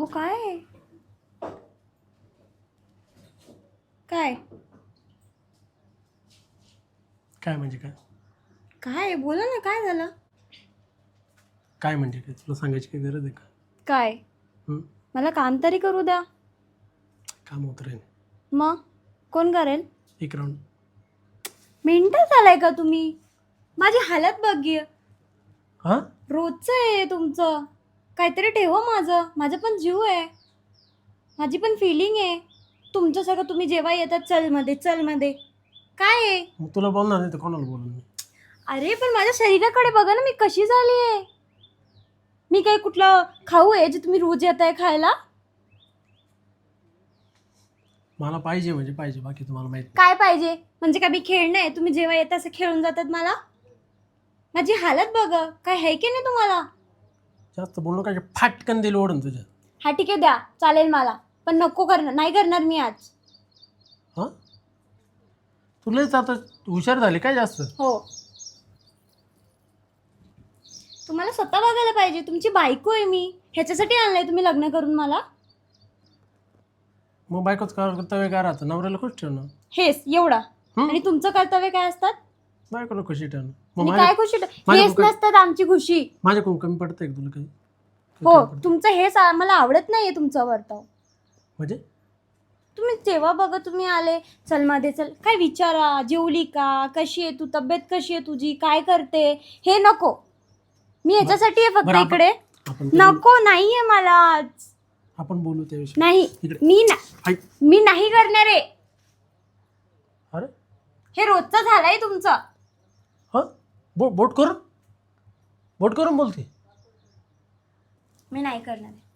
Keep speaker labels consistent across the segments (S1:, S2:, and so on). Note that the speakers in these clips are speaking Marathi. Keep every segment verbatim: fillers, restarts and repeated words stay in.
S1: काय आहे? काय
S2: काय म्हणजे काय
S1: काय बोला ना, काय झालं?
S2: काय म्हणजे काय तुला सांगायची काही गरज आहे का?
S1: काय
S2: हं?
S1: मला काम तरी करू द्या.
S2: काम होत राहील.
S1: मग कोण करेल?
S2: एक राऊंड.
S1: मेंटल झालाय का तुम्ही? माझी हालत बघी.
S2: हां
S1: रोजचं आहे तुमचं. काहीतरी ठेवा. माझं माझं पण जीव आहे, माझी पण फिलिंग आहे. तुमच्यासारखं तुम्ही जेव्हा येतात चल मध्ये चल मध्ये काय आहे?
S2: मग तुला बोलणार नाही तर कोणाला बोलून मी?
S1: अरे पण माझ्या शरीराकडे बघा ना, मी कशी झाली आहे. मी काही कुठलं खाऊ आहे जे तुम्ही रोज येताय खायला?
S2: मला पाहिजे म्हणजे पाहिजे, बाकी तुम्हाला माहित नाही.
S1: काय पाहिजे म्हणजे काय? मी खेळणं आहे? तुम्ही जेव्हा येता असं खेळून जातात मला. माझी हालत बघा, काय आहे की नाही तुम्हाला?
S2: जास्त बोलणं काय, फाटकन दिलं ओढून तुझ्या.
S1: हा ठीक आहे, द्या चालेल मला, पण नको करणार, नाही करणार मी आज.
S2: हां तुलाच आता हुशार झाली काय जास्त?
S1: हो, तुम्हाला स्वतः बघायला पाहिजे. तुमची बायको आहे मी, ह्याच्यासाठी आणलंय तुम्ही लग्न करून मला?
S2: मग बायकोच कर्तव्य काय राहतं? नवऱ्याला खुश ठेवणं.
S1: हेच एवढा.
S2: हं?
S1: आणि तुमचं कर्तव्य काय असतात?
S2: बायकोला खुशी ठेवणं. मग
S1: आणि
S2: माझ्या
S1: काय खुशी?
S2: माझ्या
S1: हेच
S2: कुकर-
S1: नसतात आमची खुशी.
S2: माझ्याकडून कमी पडतंय का तुला काही?
S1: हो, तुमचं हेच आ- मला आवडत नाहीये तुमचं वर्तव.
S2: म्हणजे
S1: तुम्ही जेव्हा बघा तुम्ही आले चल मध्ये चल, काय विचारा, जेवली का, कशी आहे तू, तब्येत कशी आहे तुझी, काय करते, हे नको. मी ह्याच्यासाठी आहे फक्त
S2: बरं, आपण-
S1: इकडे.
S2: आपण ते
S1: नको, नाहीये मला आज.
S2: बोलू- आपण बोलू त्याविषयी.
S1: नाही,
S2: इकडे.
S1: मी ना
S2: ऐक.
S1: मी नाही करणार आहे.
S2: अरे
S1: हे रोजचं झालंय तुमचं.
S2: हां बो बोट करून बोट करून बोलते.
S1: मी नाही करणार आहे.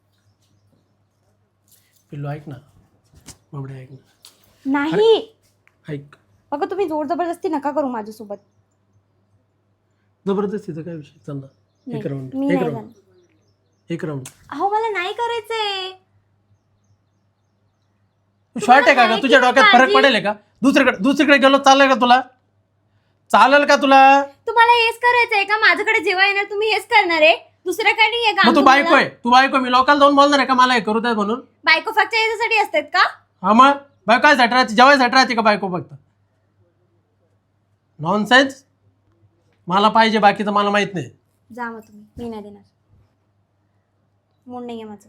S2: पिल्लू ऐक ना, बाबडे ऐक ना,
S1: नाही
S2: ऐक.
S1: बघा, तुम्ही जोर जबरदस्ती नका करू माझ्यासोबत.
S2: जबरदस्तीचा काय विषय? चल ना, एक
S1: नाही,
S2: राऊंड
S1: मी
S2: एक
S1: नाही
S2: राऊंड
S1: जाणार.
S2: एक राऊंड.
S1: अहो मला नाही करायचंय.
S2: तू शॉर्ट आहे का
S1: नाही
S2: ग? तुझ्या
S1: की
S2: डोक्यात फरक
S1: काळजी-
S2: पडेल का? दुसरीकडे दुसरीकडे गेलो चालेल का तुला? चालेल का तुला?
S1: तुम्हाला हेच करायचंय का? माझ्याकडे जेव्हा येणार तुम्ही हेच करणार आहे? दुसरं काही नाहीये का?
S2: मग तू बायको आहे, तू बायको. मी लोकांना जाऊन बोलणार आहे का मला हे करू द्या म्हणून?
S1: बायको फक्त याच्यासाठी असतात का?
S2: हा मग बायको काय साठी राहते? जेवायसाठी राहते का बायको फक्त? नॉनसेन्स. मला पाहिजे, बाकीचं मला माहित नाही.
S1: जा मग तुम्ही, मी नाही देणार. मूड नाहीये माझं.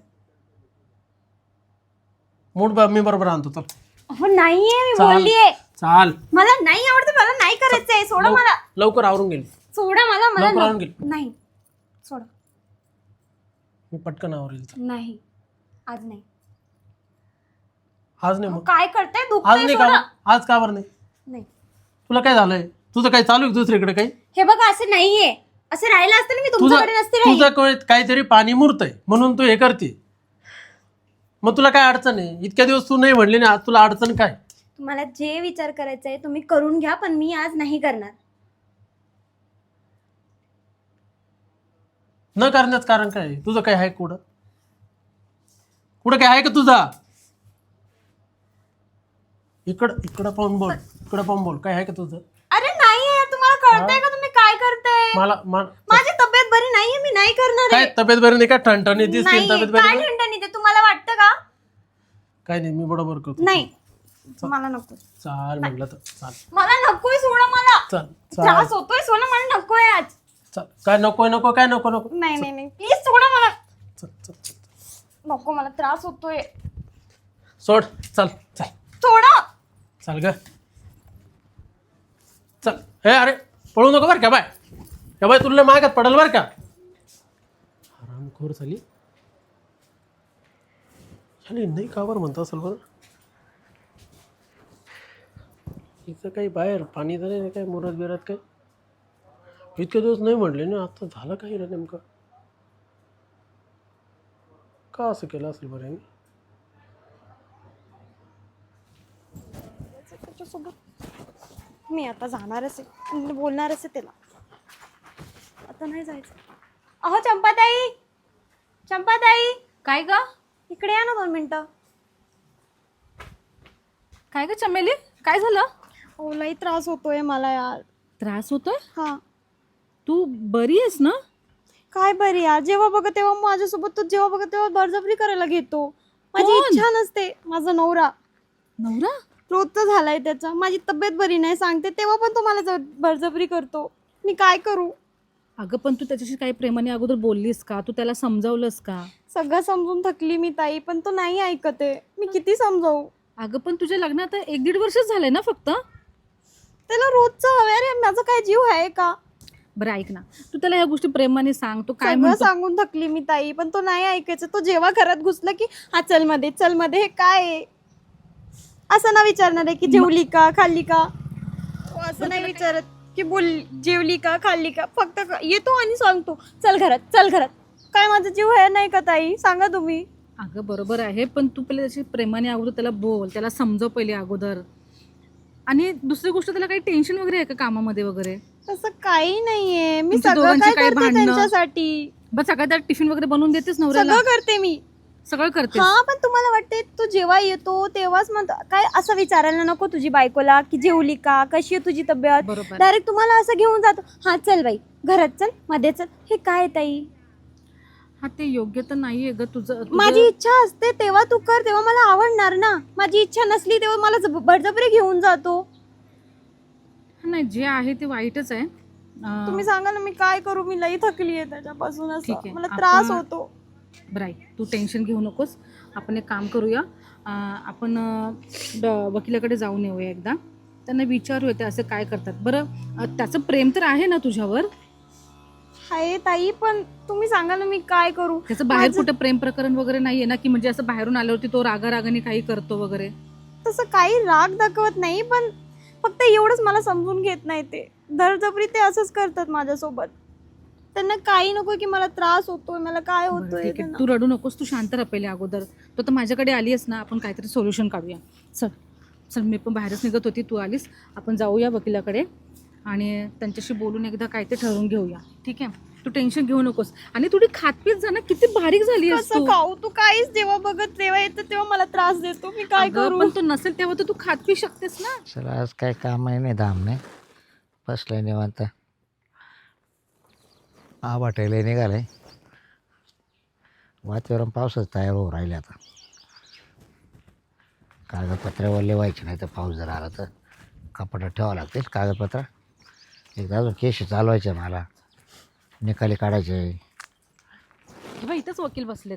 S2: मूड ब- मी बरोबर आणतो. चल
S1: अहो नाहीये, मी
S2: चाल.
S1: बोललीये.
S2: चाल
S1: मला नाही आवडत, मला नाही करायचंय. सोडा
S2: लव-
S1: मला,
S2: लवकर आवरून गेली.
S1: सोडा मला, मला
S2: लवकर आवरून
S1: नको.
S2: गेली.
S1: नाही, सोडा.
S2: मी पटकन आवरेल. चल.
S1: नाही, आज नाही.
S2: आज नाही
S1: अहो,
S2: मग
S1: काय करताय?
S2: आज
S1: दुखतंय,
S2: नाही
S1: सोडा.
S2: का? आज का बरं नाही?
S1: नाही,
S2: तुला काय झालंय? तुझं काही चालू आहे दुसरीकडे काही?
S1: हे बघा असं नाहीये. असं राहिलं असतं ना मी
S2: तुझं
S1: तुमच्याकडे नसते राहिली.
S2: तुझं काय- काहीतरी पाणी मुरतंय म्हणून तू हे करते. मग तुला काय अडचण आहे? इतक्या दिवस तू नाही म्हणली ना, आज तुला अडचण काय?
S1: तुम्हाला जे विचार करायचा आहे तुम्ही करून घ्या, पण मी आज नाही करणार.
S2: न करण्याचं कारण काय आहे? तुझं काय आहे कुठं? कुठं काय आहे का तुझा? इकडं इकडं पाहून बोल, इकडं पाहून बोल. काय आहे का तुझं?
S1: अरे नाहीये, तुम्हाला कळतंय का तुम्ही काय करताय?
S2: मला मा-
S1: माझी तब्येत बरी नाहीये, मी नाही करणार
S2: काय
S1: आहे.
S2: तब्येत बरी नाही का? ठणठणी दिसते
S1: नाही,
S2: तब्येत
S1: काय
S2: बरी नाही?
S1: ठणठणी ते तुम्हाला वाटतं का?
S2: काय नाही, मी बरोबर करतो.
S1: नाही, मला नको.
S2: चाल म्हटलं तर चाल.
S1: मला नकोय, सोडा मला.
S2: चाल चाल
S1: त्रास होतोय, सोडा मला, नकोय आज.
S2: चाल. काय नको नको काय नको नको.
S1: नाही नाही नाही, प्लीज सोडा मला.
S2: चल चल चल.
S1: नको, मला त्रास होतोय.
S2: सोड. चल चल
S1: सोडा.
S2: चाल ग. चल. हे अरे पळू नको बरं का बाय. का बाय तुला मागात पडल बरं का. हरामखोर झाली. झाली नाही का बरं म्हणता असेल बरं. इथं काही बाहेर पाणी झालं नाही काय मुरात बिरात काय? इतके दिवस नाही म्हणले ना, आता झालं काही ना नेमकं. का असं केलं असेल बरं यांनी?
S1: त्याच्यासोबत मी आता जाणारच आहे, मी बोलणारच आहे त्याला. आता नाही जायचं. अहो चंपाताई, चंपाताई,
S3: काय ग?
S1: इकडे या ना दोन मिनिटं.
S3: काय ग चमेली, काय झालं?
S1: हो, लई त्रास होतोय मला यार.
S3: त्रास होतोय?
S1: हा,
S3: तू बरी आहेस ना?
S1: काय बरी यार, जेव्हा बघा तेव्हा माझ्यासोबत तो जेव्हा बघा तेव्हा बळजबरी करायला घेतो. माझी
S3: कोण?
S1: इच्छा नसते. माझा नवरा
S3: नवरा?
S1: रोजचा झालाय त्याचा. माझी तब्येत बरी नाही सांगते तेव्हा पण तो मला ज- बळजबरी करतो. मी काय करू?
S3: अगं पण तू त्याच्याशी काही प्रेमाने अगोदर बोललीस का? तू त्याला समजावलंस का?
S1: सगळं समजून थकली मी ताई, पण तो नाही ऐकत आहे. मी किती समजावू?
S3: अगं पण तुझ्या लग्नात आता एक दीड वर्षच झालंय ना फक्त.
S1: त्याला रोजचं हवं रे, माझा काय जीव आहे का?
S3: बरं ऐक ना, तू त्याला ह्या गोष्टी प्रेमाने सांग. तो काय
S1: सगळं
S3: म्हणतो?
S1: सांगून थकली मी ताई, पण तो नाही ऐकायचं. तो जेव्हा घरात घुसला की हा चल मध्ये चल मध्ये, हे काय आहे? असं ना विचारणार आहे की जेवली का खाल्ली का? तो असं नाही विचारत की बोल जेवली का खाल्ली का. फक्त क- येतो आणि सांगतो चल घरात चल घरात. काय माझा जीव आहे नाही का ताई? सांगा तुम्ही.
S3: अगं बरोबर आहे, पण तू पहिले त्याची प्रेमाने अगोदर त्याला बोल, त्याला समजव पहिले अगोदर. आणि दुसरी गोष्ट, त्याला काही टेन्शन वगैरे आहे का कामामध्ये वगैरे?
S1: तसं काही नाहीये. मी
S3: तुमच्या
S1: सगळं
S3: दोघांची
S1: काय
S3: काही
S1: करते
S3: भांडणं?
S1: त्यांच्यासाठी.
S3: बस सकाळी त्याला टिफिन वगैरे बनवून देतेस नवऱ्याला?
S1: सगळं करते मी.
S3: सगळं करते.
S1: हा, पण तुम्हाला वाटते तो जेव्हा येतो तेव्हाच म्हणतो काय असं विचारायला नको तुझी बायकोला की जेवली का, कशी आहे तुझी तब्येत.
S3: बरोबर.
S1: डायरेक्ट तुम्हाला असं घेऊन जातो, हा चल बाई घरात चल मध्ये चल. हे काय ताई?
S3: हा ते योग्य तर नाहीये ग तुझं. तुझं-
S1: माझी इच्छा असते तेव्हा तू कर, तेव्हा मला आवडणार ना. माझी इच्छा नसली तेव्हा मला जब- बळजबरी घेऊन जातो.
S3: नाही, जे आहे ते वाईटच आहे. अं,
S1: तुम्ही सांगा ना मी काय करू? मी लई थकली आहे त्याच्यापासून.
S3: ठीक
S1: असं
S3: आहे.
S1: मला त्रास
S3: आपण-
S1: होतो.
S3: बरं आहे, तू टेन्शन घेऊ नकोस. आपण एक काम करूया, अं, आपण अं, ड- वकिलाकडे जाऊन येऊया एकदा. त्यांना विचारूया ते असं काय करतात. बरं, अं, त्याचं प्रेम तर आहे ना तुझ्यावर?
S1: हाय ताई, पण तुम्ही सांगा ना मी काय करू?
S3: त्याचं बाहेर
S1: माझं-
S3: कुठं प्रेम प्रकरण वगैरे नाहीये ना, की म्हणजे असं बाहेरून आल्यावरती तो रागा रागाने काही करतो वगैरे?
S1: तसं काही राग दाखवत नाही, पण फक्त एवढंच मला समजून घेत नाही. ते दरजबरी ते असंच करतात माझ्यासोबत. त्यांना काही नको की मला त्रास होतोय, मला काय
S3: बरं,
S1: होतोय
S3: ठीक आहे.
S1: त्यांना.
S3: तू रडू नकोस, तू शांत राह पहिले अगोदर. तो तर माझ्याकडे आलीस ना, आपण काहीतरी सोल्युशन काढूया. चल चल, मी पण बाहेरच निघत होती, तू आलीस. आपण जाऊया वकिलाकडे आणि त्यांच्याशी बोलून एकदा काय ते ठरवून घेऊया. ठीक आहे, तू टेन्शन घेऊ नकोस. आणि थोडी खातपीत जा ना, किती बारीक झाली आहेस
S1: कसं
S3: तू.
S1: खाऊ? तू काहीच जेव्हा बघत तेव्हा येतं तेव्हा मला त्रास देतो. मी काय
S3: अगं,
S1: करू?
S3: पण तो नसेल तेव्हा तर तू खात पी शकतेस ना.
S4: चला आज काय काम आहे नाही धाम नाही बसलाय निवांत. हा वाटायला निघालाय वातावरण पावसाच तयार होऊ राहिले. आता कागदपत्र वल्ले व्हायचे नाही तर पाऊस जर आला तर कपाटात ठेवावं लागतील कागदपत्र. एकदा अजून केस चालवायचे मला, निकाली काढायचे.
S3: किंवा इथंच वकील बसलेत.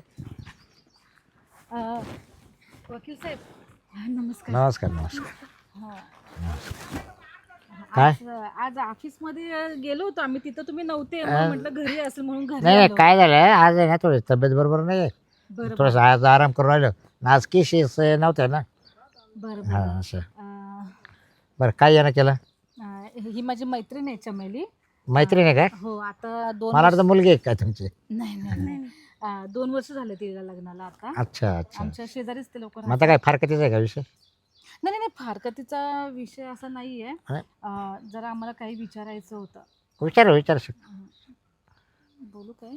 S3: अं, वकील साहेब, हा, नमस्कार.
S4: नमस्कार नमस्कार.
S3: हा.
S4: काय?
S3: आज आज ऑफिसमध्ये गेलो होतो आम्ही, तिथं तुम्ही नव्हते. मग
S4: अं,
S3: म्हटलं घरी असेल म्हणून घरी
S4: नाही नाही
S3: आलो.
S4: काय झालं आज आहे ना थोडी तब्येत बरोबर नाही आहे.
S3: बरं बरं
S4: थोडंसं आज आराम करून राहिलो. आज केसेस नव्हत्या ना.
S3: बरं
S4: हां
S3: बरं.
S4: असं.
S3: अं,
S4: बरं काय यानं केलं?
S3: अं, ही माझी मैत्रीण आहे चमेली.
S4: मैत्रीण आहे काय?
S3: हो, आता दोन
S4: मला
S3: वर्ष-
S4: वाटतं मुलगी आहे काय तुमची?
S3: नाही नाही नाही. अं, दोन वर्ष झाले तिला लग्नाला आता.
S4: अच्छा अच्छा.
S3: आमच्या शेजारीच ते लोक
S4: मग आता काय फारकतीच आहे का विषय?
S3: नाही नाही, फारकतीचा विषय असा नाहीये.
S4: हा?
S3: अं, जरा आम्हाला काही विचारायचं होतं.
S4: विचार विचार शक.
S3: अं, बोलू काय?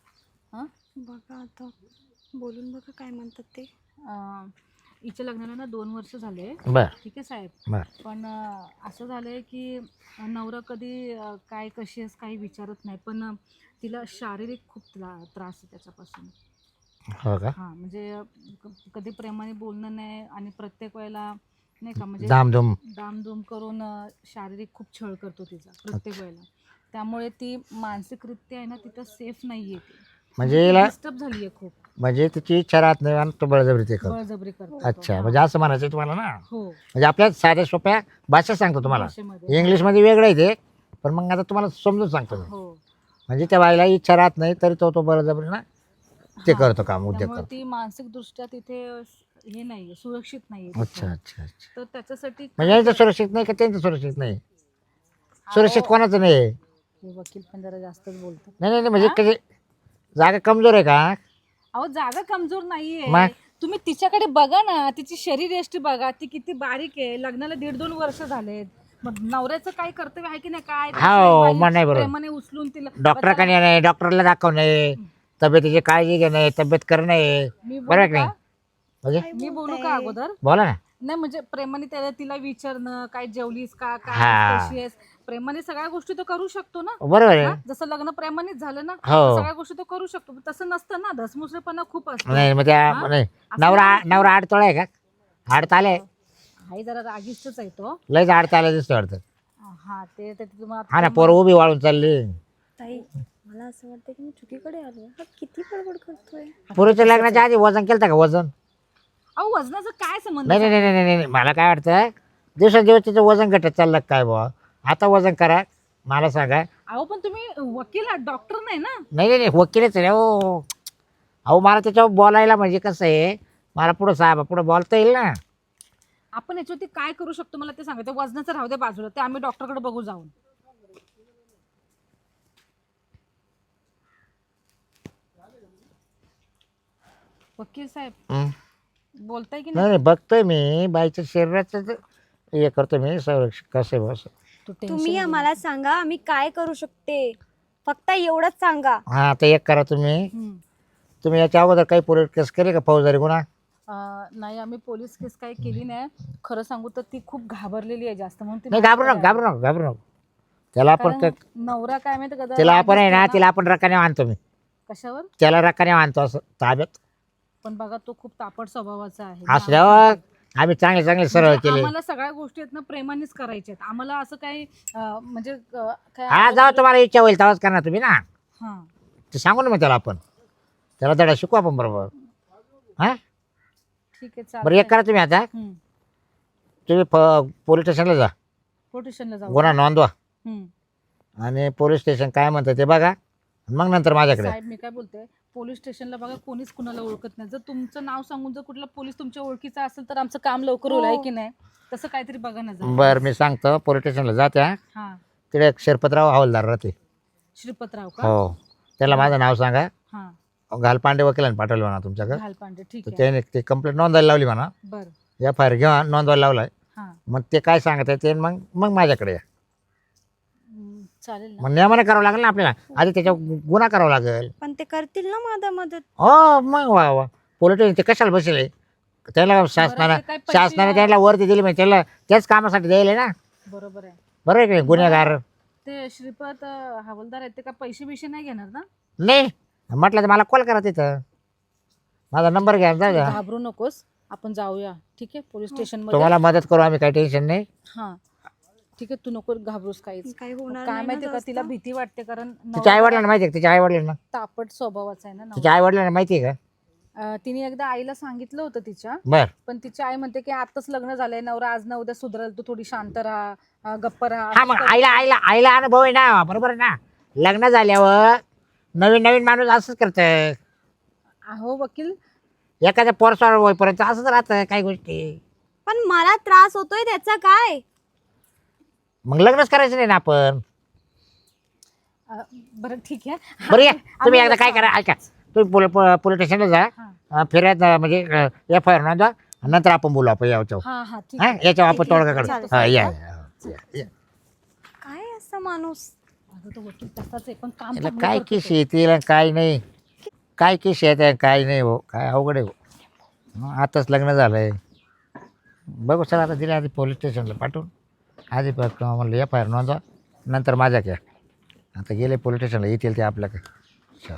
S1: बघा आता बोलून बघा काय म्हणतात ते.
S3: अं, हिच्या लग्नाला ना दोन वर्ष झाले.
S4: बर
S3: ठीक आहे साहेब.
S4: बर.
S3: पण अं, असं झालंय की अं, नवरा कधी अं, काय कशी आहेस काही विचारत नाही, पण अं, तिला शारीरिक खूप त्रा- त्रास आहे त्याच्यापासून.
S4: हो का?
S3: हां, म्हणजे अं, क- कधी प्रेमाने बोलणं नाही आणि प्रत्येक वेळेला नाही का, म्हणजे
S4: दामधूम.
S3: दामधूम करून अं, शारीरिक खूप छळ करतो तिचा प्रत्येक वेळेला. त्यामुळे ती मानसिकरित्या आहे ना तिथं सेफ नाहीये ती.
S4: म्हणजे हिला
S3: डिस्टर्ब झाली आहे खूप.
S4: म्हणजे तिची इच्छा राहत नाही आणि तो बळजबरी ते करतो.
S3: बळजबरी करतो.
S4: अच्छा,
S3: हां.
S4: म्हणजे असं म्हणायचं तुम्हाला ना.
S3: हो,
S4: म्हणजे आपल्या साध्या सोप्या भाषेत सांगतो तुम्हाला.
S3: भाषेमध्ये.
S4: इंग्लिशमध्ये वेगळं आहे ते, पण मग आता तुम्हाला समजून सांगतो मी.
S3: हो.
S4: म्हणजे त्या बाईला इच्छा राहत नाही तरी तो तो बळजबरी ना ते
S3: हां.
S4: करतो काम, उद्योग
S3: त्यामुळे
S4: करतो.
S3: ती मानसिक दृष्ट्या तिथे हे नाहीये, सुरक्षित नाहीये
S4: अच्छा
S3: तिथे.
S4: अच्छा अच्छा.
S3: तर त्याच्यासाठी
S4: म्हणजे यांचं सुरक्षित नाही का त्यांचं सुरक्षित नाही? सुरक्षित
S3: अहो,
S4: कोणाचं नाही आहे?
S3: हे वकील पण जरा जास्तच बोलतात.
S4: नाही नाही नाही, म्हणजे
S3: हा?
S4: कधी जागा कमजोर आहे का?
S3: अहो, जागा कमजोर नाहीये.
S4: मग?
S3: तुम्ही तिच्याकडे बघा ना, तिची शरीर यष्टी बघा, ती किती बारीक आहे. लग्नाला दीड दोन वर्ष झालेत. मग नवऱ्याचं काय कर्तव्य आहे की नाही? काय
S4: हो,
S3: बाई
S4: मग नाही बरोबर.
S3: प्रेमाने उचलून तिला
S4: डॉक्टरकडे नाही, डॉक्टरला दाखवणे, तब्येतीची काळजी घेणे, तब्येत करणे.
S3: मी
S4: बरोबर
S3: बोलू
S4: की नाही?
S3: का?
S4: म्हणजे
S3: मी बोलू का अगोदर?
S4: बोला ना.
S3: नाही म्हणजे प्रेमाने त्याला तिला विचारणं, काय जेवलीस का, काय
S4: हा.
S3: कशी आहेस, प्रेमाने सगळ्या गोष्टी तो करू शकतो ना.
S4: बरोबर आहे.
S3: हा? जसं लग्न प्रेमानेच झालं ना,
S4: हो.
S3: सगळ्या गोष्टी तो करू शकतो. पण तसं नसतं ना, धसमुसळेपणा खूप असतो.
S4: नाही मग त्या
S3: हा?
S4: नाही
S3: असं
S4: नवरा
S3: नाही.
S4: नवरा आडतोळा आहे का? आडताले
S3: आई जरा रागीष्टच आहे तो.
S4: लयच आडताले दिसतो वाटतं.
S3: हा ते ते तुम्हाला
S4: हा ना पोरं उभी वाळून चालली.
S1: ताई मला असं वाटतं की मी चुकीकडे आलो. हा किती बडबड करतोय.
S4: पोरीच्या लग्नाच्या आधी वजन केलं का वजन?
S3: अहो वजनाचं काय संबंध?
S4: नाही नाही नाही नाही नाही मला काय वाटतं दिवसेंदिवस तिचं वजन घटत चाललं काय बुवा. आता वजन करा मला सांगा.
S3: अहो पण तुम्ही वकील आहात, डॉक्टर नाही ना.
S4: नाही नाही नाही वकीलच रे हो. अहो मला त्याच्यावर बोलायला म्हणजे कसं आहे मला पुढं साहेब पुढं बोलता येईल ना.
S3: आपण याच्यावरती काय करू शकतो मला ते सांगा. ते वजनाचं राहू दे बाजूला, ते आम्ही डॉक्टरकडे बघू जाऊन. वकील साहेब
S4: हं.
S3: बोलताय की
S4: नाही
S3: नाही?
S4: नाही बघतोय मी बाईच्या शरीराचं ते हे करतो मी संरक्षण कसं आहे बस.
S3: तू tension
S1: तुम्ही
S3: घेऊ
S1: आम्हाला सांगा आम्ही काय करू शकते. फक्त एवढंच सांगा.
S4: हां आता एक करा तुम्ही
S3: नको. हं.
S4: तुम्ही याच्या अगोदर काही पोलीस केस केली का फौजदारी गुन्हा?
S3: अं, नाही आम्ही पोलीस केस काही केली नाही. खरं सांगू तर ती खूप घाबरलेली आहे जास्त, म्हणून ती
S4: नाही घाबरू नको
S3: माझ्याकडे
S4: घाबरू नको घाबरू नको. त्याला आपण
S3: कारण
S4: क-
S3: नवरा काय माहिती का जरा
S4: तिला आपण आहे
S3: रागीट
S4: ना
S3: आहे
S4: तिला आपण रकाने आणतो मी.
S3: कशावर?
S4: त्याला रकाने आणतो असं ताब्यात
S3: पण बघा तो खूप तापट स्वभावाचा आहे.
S4: असल्यावर आम्ही चांगले चांगले सरळ
S3: म्हणजे
S4: केले.
S3: आम्हाला सगळ्या गोष्टी आहेत ना प्रेमानेच करायच्या आहेत. आम्हाला असं काही अं, म्हणजे अं, काय
S4: हा जाऊ तुम्हाला इच्छा होईल तेव्हाच करणार तुम्ही ना.
S3: हा
S4: ते सांगू ना मग त्याला आपण त्याला धडा शिकू आपण बरोबर. हां
S3: ठीक आहे
S4: बरं एक
S3: चालेल.
S4: करा तुम्ही आता तुम्ही पोलीस स्टेशनला जा
S3: पोलिटिशियनला जाऊ.
S4: गुन्हा नोंदवा
S3: हम्म.
S4: आणि पोलीस स्टेशन काय म्हणतं ते बघा मग नंतर माझ्याकडे.
S3: साहेब मी काय बोलते, पोलीस स्टेशनला बघा कोणीच कुणाला ओळखत नाही. जर तुमचं नाव सांगून जर कुठला पोलीस तुमच्या ओळखीचा असेल तर आमचं काम लवकर होईल आहे की नाही. तसं काहीतरी बघा ना जरा.
S4: बरं मी सांगतो पोलीस स्टेशनला जा त्या
S3: हा
S4: तिकडे एक शिरपतराव हवालदार राहते.
S3: श्रीपतराव का?
S4: हो त्याला माझं नाव सांगा.
S3: हा
S4: घालपांडे वकिलांनी पाठवलं म्हणा तुमच्याकडे.
S3: घालपांडे ठीक
S4: तर
S3: आहे.
S4: त्याने ते कंप्लेंट नोंदवायला लावली म्हणा.
S3: बरं
S4: एफ आय आर घ्या नोंदवायला लावलाय.
S3: हा
S4: मग ते काय सांगत आहे ते मग मग माझ्याकडे या.
S3: हम्म, चालेल ना.
S4: मग नियमाने करावं लागेल ना आपल्याला आधी त्याच्यावर गुन्हा करावा लागेल.
S1: पण ते करतील ना माझा मदत.
S4: हो मग वा वा पोलीस स्टेशन ते कशाला बसले त्याला शासनानं
S3: ते काय पैसे
S4: शासनाने
S3: आहे?
S4: त्याला वरती दिली म्हणजे त्याला त्याच कामासाठी द्यायला ना.
S3: बरोबर आहे.
S4: बरोबर आहे की नाही? गुन्हेगार
S3: ते श्रीपत अं, हवालदार आहेत ते काय पैसे बिशे नाही घेणार ना?
S4: नाही म्हटलं तर मला कॉल करा तिथं माझा नंबर घ्या जाऊ द्या.
S3: घाबरू नकोस, आपण जाऊया ठीक आहे पोलीस स्टेशन मध्ये.
S4: तुम्हाला मदत करू आम्ही काही टेन्शन नाही.
S3: हा ठीक आहे, तू नको घाबरूस काहीच.
S1: काही होणार
S3: काय
S1: नाही ना
S3: माहिती का
S1: जास्त.
S3: तिला भीती वाटते कारण
S4: तिच्या आई वडिलांना माहिती आहे का तिच्या आई वडिलांना
S3: तापट स्वभावाचा आहे ना नवरा.
S4: तिच्या आई वडिलांना माहिती आहे का?
S3: अं, तिने एकदा आईला सांगितलं होतं तिच्या,
S4: बर
S3: पण तिची आई म्हणते की आताच लग्न झालंय, नवरा आज ना उद्या सुधरल, तू थोडी शांत राहा, अं, गप्प राहा.
S4: हा मग आईला आईला आईला अनुभव आहे ना बरोबर आहे ना. लग्न झाल्यावर नवीन नवीन माणूस असंच करतं.
S3: अहो वकील
S4: एखाद्या पोरसवार होईपर्यंत असंच राहतं काही गोष्टी.
S1: पण मला त्रास होतोय त्याचा काय.
S4: मग लग्नच करायचं नाही ना आपण.
S3: अं, बरं ठीक आहे.
S4: बरं या तुम्ही
S3: आम्ही
S4: एकदा काय करा ऐका तुम्ही पोल पोलीस स्टेशनला जा
S3: हा.
S4: अं, फिरत अं, म्हणजे एफ आय आर नोंदवा नंतर आपण बोलू आपण याच्यावर.
S3: हा हा ठीक
S4: हा
S3: आहे.
S4: याच्यावर आपण
S3: ठीक आहे.
S4: तोडगा काढू.
S3: चालेल.
S4: हा या या, या, या.
S1: काय असं माणूस.
S3: अगं तो वकील तसाच आहे पण काम
S4: याला
S3: चांगलं
S4: काय
S3: करतो
S4: किस
S3: तो.
S4: येतील आणि काय नाही काय किस येत काय नाही हो काय अवघड आहे हो. हं, आताच लग्न झालंय बघू सर आता दिले आधी पोलीस स्टेशनला पाठवून आधी प- म्हणलं एफ आय आर नोंदवा नंतर माझ्या क्या आता गेले पोलीस स्टेशनला येतील ते आपल्याकडे. चल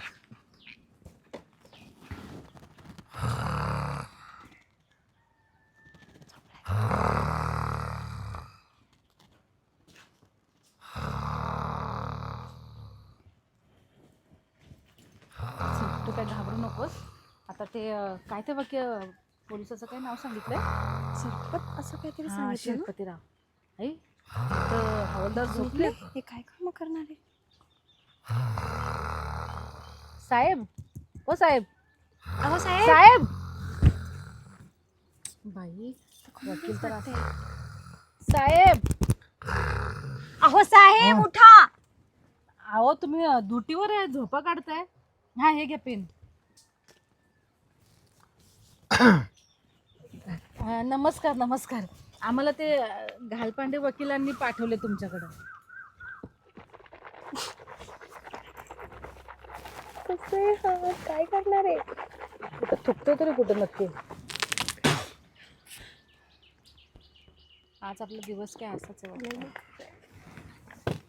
S3: चल, तू काय घाबरू नकोस. आता ते अं, काय ते वकील पोलिसाचं काय नाव सांगितलंय?
S1: शिरपत असं काहीतरी
S3: हा,
S1: सांगितलं ना.
S3: शिरपतीराव. आई तर हवालदार झोपले.
S1: हे काय काम करणार आहे.
S3: साहेब ओ साहेब
S1: अहो साहेब.
S3: साहेब बाई वकील तर असं. साहेब
S1: अहो साहेब उठा.
S3: अहो तुम्ही अं, ड्युटीवर आहे, झोपा काढताय. हा हे घ्या पेन. अं, नमस्कार नमस्कार. आम्हाला ते अं, घालपांडे वकिलांनी पाठवले तुमच्याकडं.
S1: काय करणार आहे.
S3: कुठं थुकतो तरी कुठं नक्की. आज आपला दिवस काय असाच आहे वाटतं.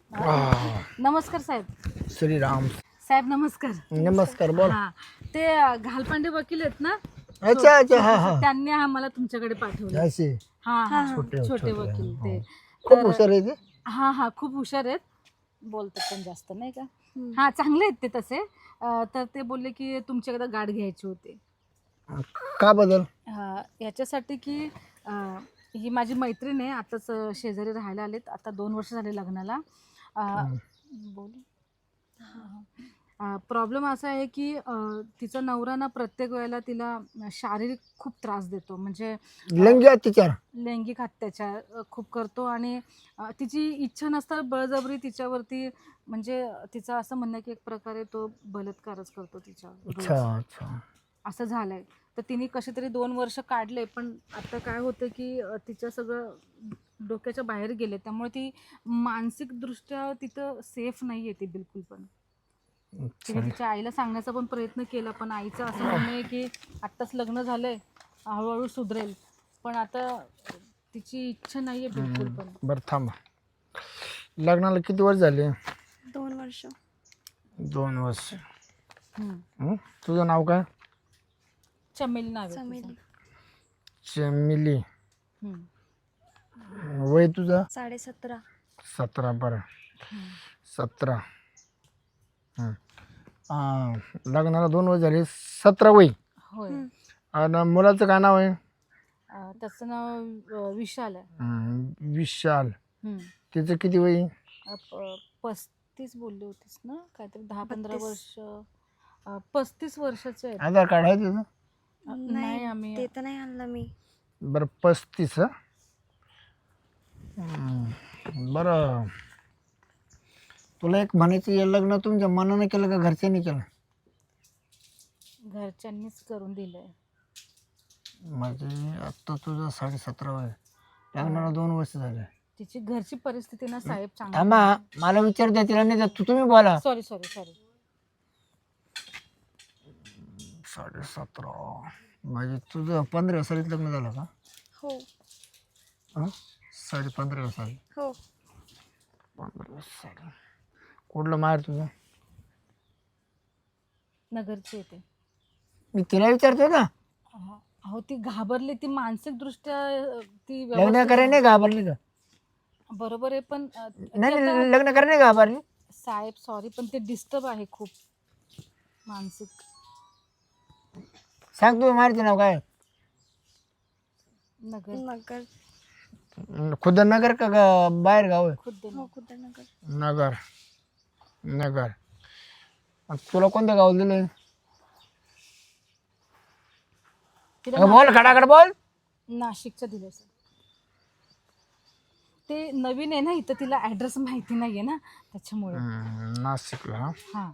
S3: नमस्कार साहेब.
S2: श्रीराम.
S3: साहेब नमस्कार.
S2: नमस्कार बोल.
S3: हा ते अ, घालपांडे वकील आहेत ना,
S2: अच्छा अच्छा हा हा
S3: त्यांनी हा मला तुमच्याकडे पाठवलं.
S2: असे
S3: हा हा
S2: छोटे
S3: छोटे वकील ते.
S2: खूप हुशार आहे ते.
S3: हा हा खूप हुशार आहेत, बोलतात पण जास्त नाही का. हा चांगले आहेत ते तसे. अ, तर ते बोलले की तुमच्याकडे गाठ घ्यायची होती.
S2: का बदल?
S3: अ, याच्यासाठी की अ, ही माझी मैत्रीण आहे, आताच अ, शेजारी राहायला आलेत, आता दोन वर्ष झाले लग्नाला. अ, बोलू प्रॉब्लेम असा आहे की अ, तिचा नवरा ना प्रत्येक वेळेला तिला शारीरिक खूप त्रास देतो, म्हणजे
S2: लैंगिक अत्याचार.
S3: लैंगिक अत्याचार अ, खूप करतो. आणि अ, तिची इच्छा नसता बळजबरी तिच्यावरती, म्हणजे तिचं असं म्हणणं आहे की एक प्रकारे तो बलात्कारच करतो तिच्यावर रोज.
S2: अच्छा अच्छा.
S3: असं झालंय. तर तिने कसे तरी दोन वर्ष काढले, पण आता काय होतं की अ, तिचं सगळं डोक्याच्या बाहेर गेले, त्यामुळे ती मानसिकदृष्ट्या तिथं सेफ नाही आहे ती बिलकुल पण. तिने तिच्या आईला सांगण्याचा पण प्रयत्न केला, पण आईचं असं म्हणणं आहे की आत्ताच लग्न झालंय, हळूहळू सुधरेल, पण आता तिची इच्छा नाही आहे बिलकुल पण.
S2: बरं थांबा. लग्नाला किती वर्ष झाले?
S1: दोन वर्ष.
S2: दोन वर्ष.
S3: हम्म.
S2: हं? तुझं नाव काय?
S3: चमेली नाव आहे
S1: चमेली.
S3: तिचं.
S2: चमिली.
S3: हम्म.
S2: वय तुझं?
S1: साडे सतरा.
S2: सतरा. बरं
S3: हम्म.
S2: सतरा. हं. आ, लग्नाला दोन वर्ष झाले, सतरा वय.
S3: होय.
S2: आणि मुलाचं काय नाव आहे?
S3: अ, त्याचं नाव अ, विशाल आहे.
S2: हं, विशाल.
S3: हम्म.
S2: तिचं किती वय?
S3: अ, प- पस्तीस बोलले होतीस ना, काहीतरी दहा पंधरा
S1: बत्तीस.
S3: वर्ष. अ, पस्तीस वर्षाचे आहेत.
S2: आधार कार्ड आहे तिचं?
S3: अ, नाही
S1: नाही
S3: आम्ही
S1: ते तर नाही आणलं मी.
S2: बरं पस्तीस. हं? हं. बरं तुला एक म्हणायचं, हे लग्न तुमच्या मनानं केलं का घरच्यांनी केलं?
S3: घरच्यांनीच करून दिलंय.
S2: म्हणजे आत्ता तुझं साडे सतरा वय, लग्नाला दोन वर्ष झाले.
S3: तिची घरची परिस्थिती ना साहेब चांगली.
S2: थांबा, मला विचार द्या, तिला नाही द्या, तू तुम्ही बोला.
S3: Sorry sorry sorry.
S2: साडे सतरा म्हणजे तुझं पंधरा सालीत लग्न झालं का?
S1: हो
S2: हां साडे पंधरा साली.
S1: हो.
S2: पंधरा साली. कुठलं माहेर तुझं?
S3: नगरची येते.
S2: मी तिला विचारतो ना.
S3: अहो ती घाबरली, ती मानसिक दृष्ट्या ती
S2: लग्न
S3: व्यवस्थित-
S2: करायला नाही घाबरली का?
S3: बरोबर आहे, पण अ, ती
S2: नाही
S3: आता-
S2: नाही, लग्न करायला नाही घाबरली.
S3: साहेब सॉरी, पण ते डिस्टर्ब आहे खूप मानसिक.
S2: सांग तू माहेरचं नाव काय?
S3: नगर
S1: नगर.
S2: खुद्द नगर का गा- बाहेर गाव आहे?
S3: खुद्द
S1: हो कुठे नगर.
S2: नगर. नगर. आणि तुला कोणत्या गावात दिलंय?
S3: तिला
S2: बोल, खडाखड बोल.
S3: नाशिकचं दिलं सर. ते नवीन आहे ना इथं, तिला ऍड्रेस माहिती नाहीये ना, त्याच्यामुळे.
S2: हम्म, नाशिकला. हा.
S3: हा.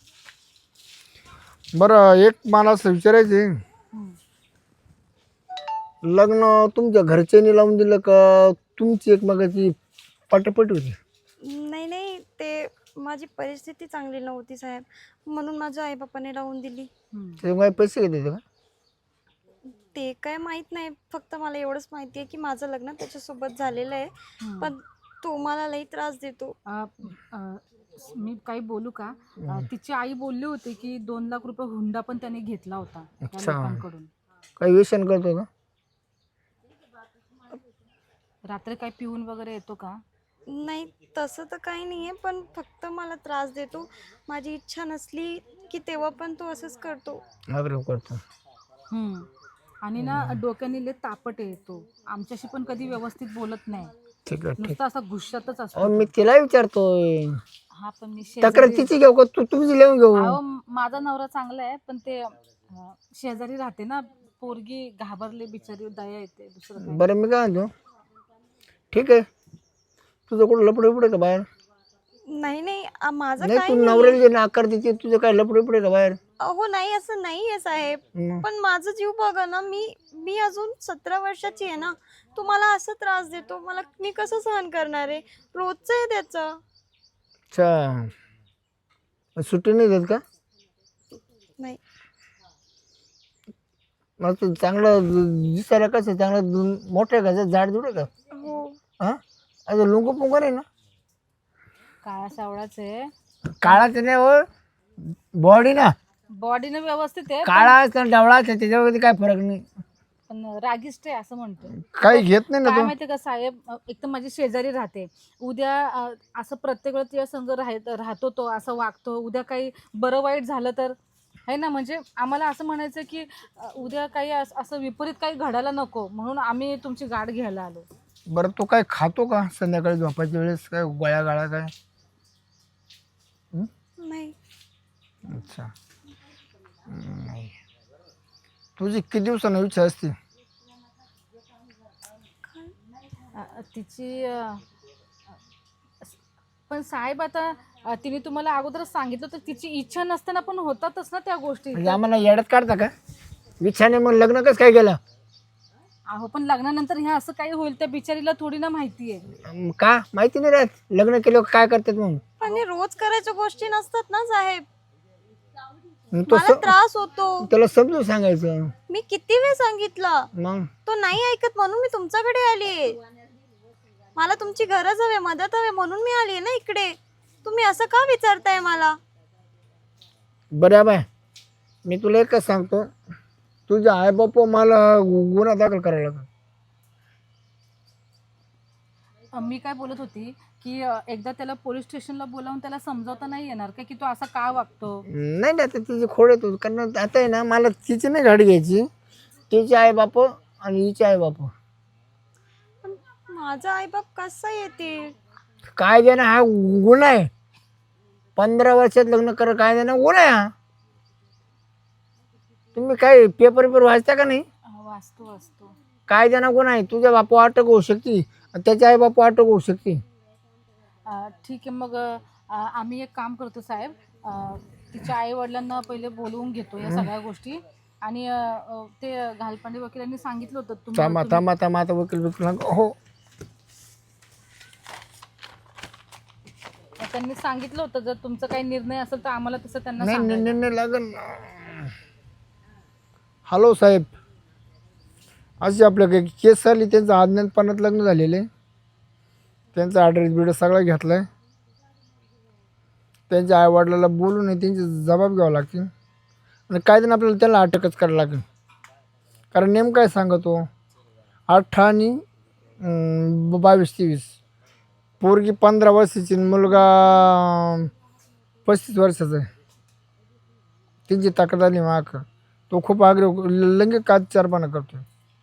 S2: बरं एक मला असं विचारायचं आहे,
S3: हम्म.
S2: लग्न तुमच्या घरच्यांनी लावून दिलं का तुमची एकमेकाची पटापट होती?
S1: नाही नाही ते माझी परिस्थिती चांगली नव्हती साहेब, म्हणून माझ्या आई बापाने लावून दिली.
S3: हम्म.
S2: ते काय पैसे घेते का?
S1: ते काय माहित नाही, फक्त मला एवढंच माहिती आहे की माझं लग्न त्याच्यासोबत झालेलं आहे,
S3: हम्म.
S1: पण तो मला लई त्रास देतो.
S3: अ, अ, मी काही बोलू का? अ, तिची आई बोलली होती की दोन लाख रुपये हुंडा पण त्याने घेतला होता त्या
S2: अच्छा.
S3: लोकांकडून.
S2: काही व्यसन करतो का?
S3: रात्री काय पिऊन वगैरे येतो का?
S1: नाही तसं तर काही नाही आहे, पण फक्त मला त्रास देतो. माझी इच्छा नसली की तेव्हा पण तो असंच करतो.
S2: आग्रह करतो.
S3: हम्म. आणि ना डोक्याने लय तापट येतो, आमच्याशी पण कधी व्यवस्थित बोलत नाही,
S2: ठीक आहे ठीक.
S3: नुसतं असा गुस्सातच
S2: अहो
S3: असतो.
S2: मी तिला विचारतोय,
S3: हा पण मी
S2: तक्रार
S3: शेजारी,
S2: तिची घेऊ का तू तुमची लिहून घेऊ?
S3: अहो माझा नवरा चांगला आहे, पण ते अं, शेजारी राहते ना पोरगी, घाबरले बिचारी, दया येते, दुसरं काय.
S2: बरं मी काय म्हणतो, ठीक आहे, तुझं कुठं लपडे पुढे का बाहेर?
S1: नाही नाही आ, माझं
S2: नाही
S1: काय
S2: तू
S1: नाही.
S2: नवऱ्याला जे नाकार देते, तुझं काय लपडे पुढे का बाहेर?
S1: अहो नाही असं नाही आहे साहेब,
S2: हं.
S1: पण माझं जीव बघा ना, मी मी अजून सतरा वर्षाची आहे ना, तो मला असं त्रास देतो, मला मी कसं सहन करणार आहे? रोजचं आहे त्याचं.
S2: अच्छा, सुट्टी नाही देत का?
S1: नाही
S2: मग तू चांगलं दिसायला कसं चांगलं मोठं आहे का, झाड जुड का?
S1: हो
S2: हां अजून लुंगू पुंगू आहे ना?
S3: काळा सावळाच आहे,
S4: काळाचं नाही हो, बॉडी ना
S3: बॉडीनं व्यवस्थित आहे,
S4: काळा असतं डावळा असतं त्याच्यावरती काय फरक नाही,
S3: पण रागिष्ट आहे असं म्हणतो.
S4: काही घेत नाही ना
S3: काय
S4: तो.
S3: माहितीये का साहेब, अ, एक तर माझी शेजारी राहते, उद्या अ, असं प्रत्येक वेळेस तिच्या संग राहत राहतो तो, असं वागतो, उद्या काही बरं वाईट झालं तर आहे ना. म्हणजे आम्हाला असं म्हणायचं की अ, उद्या काही अस- असं विपरीत काही घडायला नको, म्हणून आम्ही तुमची गाठ घ्यायला आलो.
S4: बरं तो काय खातो का संध्याकाळी झोपायच्या वेळेस, काय गोळ्या गाळा काय?
S1: नाही.
S4: अच्छा. हम्म, नाही. तुझी किती दिवसानं इच्छा असते?
S3: अ, अ, तिची अ, अ, पण साहेब आता अ, तिने तुम्हाला अगोदरच सांगितलं तर तिची इच्छा नसताना पण होतातच ना त्या गोष्टी.
S4: म्हणजे आम्हाला येड्यात काढता का? विच्छाने मग लग्न कसं काय केलं?
S3: अहो पण लग्नानंतर ह्या असं काही होईल त्या बिचारीला थोडी ना माहिती आहे.
S4: अं, का माहिती नाही राहत लग्न केलं काय करतात मग?
S1: पण हे रोज करायच्या गोष्टी नसतात ना साहेब.
S4: मग तो
S1: मला
S4: स-
S1: त्रास होतो.
S4: त्याला समजून सांगायचं
S1: मी किती वेळ सांगितलं,
S4: मग.
S1: तो नाही ऐकत म्हणून मी तुमच्याकडे आली. मला तुमची गरज हवी, मदत हवी म्हणून मी आली ना इकडे. तुम्ही असं का विचारताय मला?
S4: बरं बाय, मी तुला एकच सांगतो, तुझ्या आई बाप मला गु- गुन्हा दाखल करायला लागला.
S3: अ, मी काय बोलत होती की अ, एकदा त्याला पोलीस स्टेशनला बोलावून त्याला समजावता नाही येणार का की तो असा का वागतो?
S4: नाही नाही आता तिची खोड येतो, कारण आता आहे ना मला तिची नाही गाडी घ्यायची, तिची आई बाप आणि हिची आई बाप.
S1: पण माझा आईबाप कसा येतील?
S4: काय देणं हा गुन्हा आहे, पंधरा वर्षात लग्न कर काय देणं गुन्हा आहे हा. तुम्ही काय पेपर पेपर वाचता का नाही?
S3: अ, वाचतो वाचतो.
S4: काय देणं गुन्हा आहे, तुझ्या बापू अटक होऊ शकते आणि त्याच्या आई बापू अटक होऊ शकते.
S3: अ, ठीक आहे मग अ, आम्ही एक काम करतो साहेब, अ, तिच्या आई वडिलांना पहिले बोलवून घेतो या सगळ्या गोष्टी, आणि अ, अ, ते घालपांडे वकिलांनी सांगितलं होतं
S4: थांबा
S3: तुम्हाला
S4: थांबा थांबा आता वकील वकील हो.
S3: तुम्ही- त्यांनी सांगितलं होतं जर तुमचा काही निर्णय असेल तर आम्हाला तसं त्यांना
S4: नाही नाही
S3: सांगायला.
S4: नाही नाही लागल. हॅलो साहेब, अशी आपल्या काही केस आली, त्यांचं अज्ञातपणात लग्न झालेलं आहे, त्यांचा ॲड्रेस बिड्रेस सगळा घेतला आहे, त्यांच्या आईवडिलाला बोलून आहे त्यांचे जबाब घ्यावं लागतील आणि कायद्यानं आपल्याला त्याला अटकच करायला लागेल. कारण नेमकं काय सांगतो, अठरा आणि अं, बावीस तेवीस, पोरगी पंधरा वर्षाची आणि मुलगा पस्तीस वर्षाचा आहे. त्यांची तक्रार आली माग, तो खूप आग्रह लंगे काचारपणा करतो.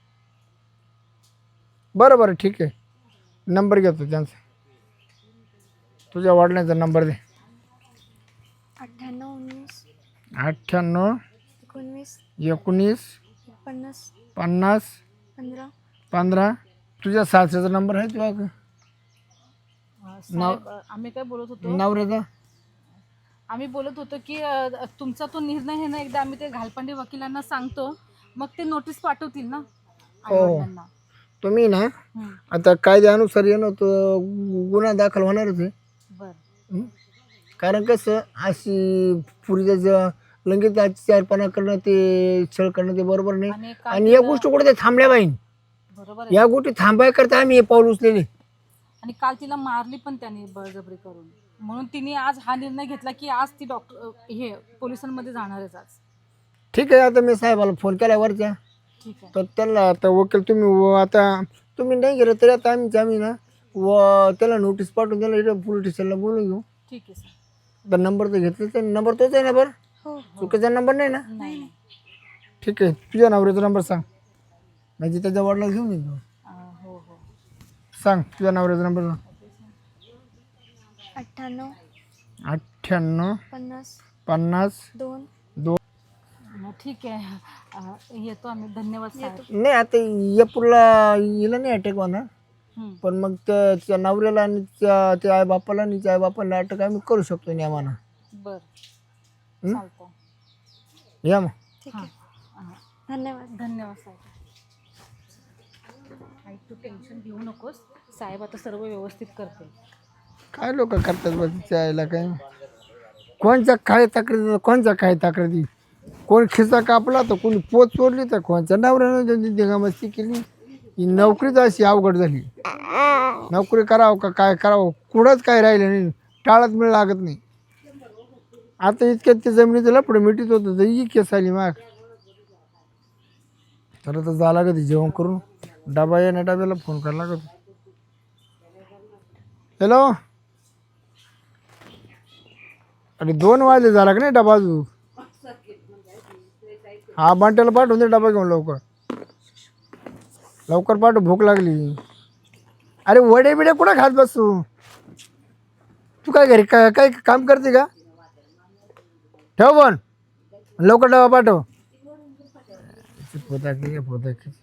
S4: बरं बरं ठीक आहे, नंबर घेतो त्यांचा, तुझ्या वडिलांचा नंबर दे.
S1: अठ्ठ्याण्णव उन्नीस
S4: अठ्ठ्याण्णव
S1: एकोणवीस
S4: एकोणीस
S1: पन्नास
S4: पन्नास
S1: पंधरा.
S4: पंधरा. तुझ्या सासऱ्याचा नंबर आहे तुझ्या का?
S3: अ, साहेब अ, आम्ही काय बोलत होतो
S4: नवऱ्याचा?
S3: आम्ही बोलत होतो की अ, तुमचा तो निर्णय आहे ना, एकदा आम्ही ते घालपांडे वकिलांना सांगतो, मग ते नोटीस पाठवतील ना आईवडिलांना.
S4: तुम्ही ना
S3: हं,
S4: आता कायद्यानुसार येणं तो गुन्हा दाखल होणारच आहे.
S3: बरं.
S4: हं? कारण कसं अशी पुरीच्या ज लंगेत चारपणा करणं, ते छळ करणं ते बरोबर नाही.
S3: आणि काल
S4: आणि या
S3: तिला-
S4: गोष्टी कुठे ते थांबल्या पाहिजे,
S3: बरोबर आहे.
S4: या गोष्टी थांबायकरता आम्ही हे पाऊल उचलेले.
S3: आणि काल तिला मारली पण त्याने बळजबरी करून, म्हणून तिने आज हा निर्णय घेतला की आज ती डॉक्टर हे पोलिसांमध्ये जाणारच आज.
S4: ठीक आहे, आता मी साहेबाला फोन केला वरच्या,
S3: ठीक आहे.
S4: तर त्याला आता वकील तुम्ही व आता तुम्ही नाही गेलं तरी आता आम्ही आम्ही ना व त्याला नोटीस पाठवून त्याला इथं पोलीस स्टेशनला बोलून घेऊ.
S3: ठीक आहे सर.
S4: तर नंबर तर घेतला, तर नंबर तोच आहे ना? बरं,
S1: हो
S4: चुकीचा नंबर नाही ना?
S3: नाही नाही.
S4: ठीक आहे, तुझ्या नवऱ्याचा नंबर सांग, म्हणजे त्याच्या वडिला घेऊन येतो.
S3: अ, हो हो.
S4: सांग तुझ्या नवऱ्याचा नंबर सांग.
S1: अठ्ठ्याण्णव
S4: अठ्ठ्याण्णव
S1: पन्नास
S4: पन्नास
S1: दोन.
S3: मग ठीक आहे. अ, येतो आम्ही. धन्यवाद साहेब.
S4: नाही आता या पुरला हिला नाही अटॅक होणार,
S3: हं,
S4: पण मग त्या त्या नवऱ्याला आणि त्या त्या आई बापाला आणि त्या आई बापाला अटक आम्ही करू शकतो नियमानं.
S3: बरं
S4: हं?
S3: चालतं.
S4: या मग.
S1: ठीक
S3: हां
S1: आहे,
S3: हां.
S1: धन्यवाद.
S3: धन्यवाद साहेब. आई तू टेन्शन घेऊ नकोस, साहेब आता सर्व व्यवस्थित करतील.
S4: काय लोक करतात बघ तिच्या आईला, काय कोणच्या काय तक्रारी, कोणच्या काय तक्रारी, कोण खिसा कापला तर कोणी पोत चोरली, तर कोणच्या नवऱ्यानं दिगामस्ती केली. ही नोकरीच अशी अवघड झाली, नोकरी करावं का काय करावं, कुठंच काय राहिलं नाही.
S5: टाळत मिळ लागत नाही. आता इतक्यात ते जमिनीचं लपडं मिटीत होतं तर ही केस आली माग. तर आता जा लागत जेवण करून डबा येण्या डब्याला फोन करायला लागत. हॅलो, अरे दोन वाजले झाला का नाही डबा अजून? हा बांट्याला पाठवून दे डबा घेऊन लवकर लवकर पाठव, भूक लागली. अरे वडे बिडे कुठं खात बसू? तू काय घरी काय काय काम करते का? ठेव पण लवकर डबा पाठव. पोता की पोता की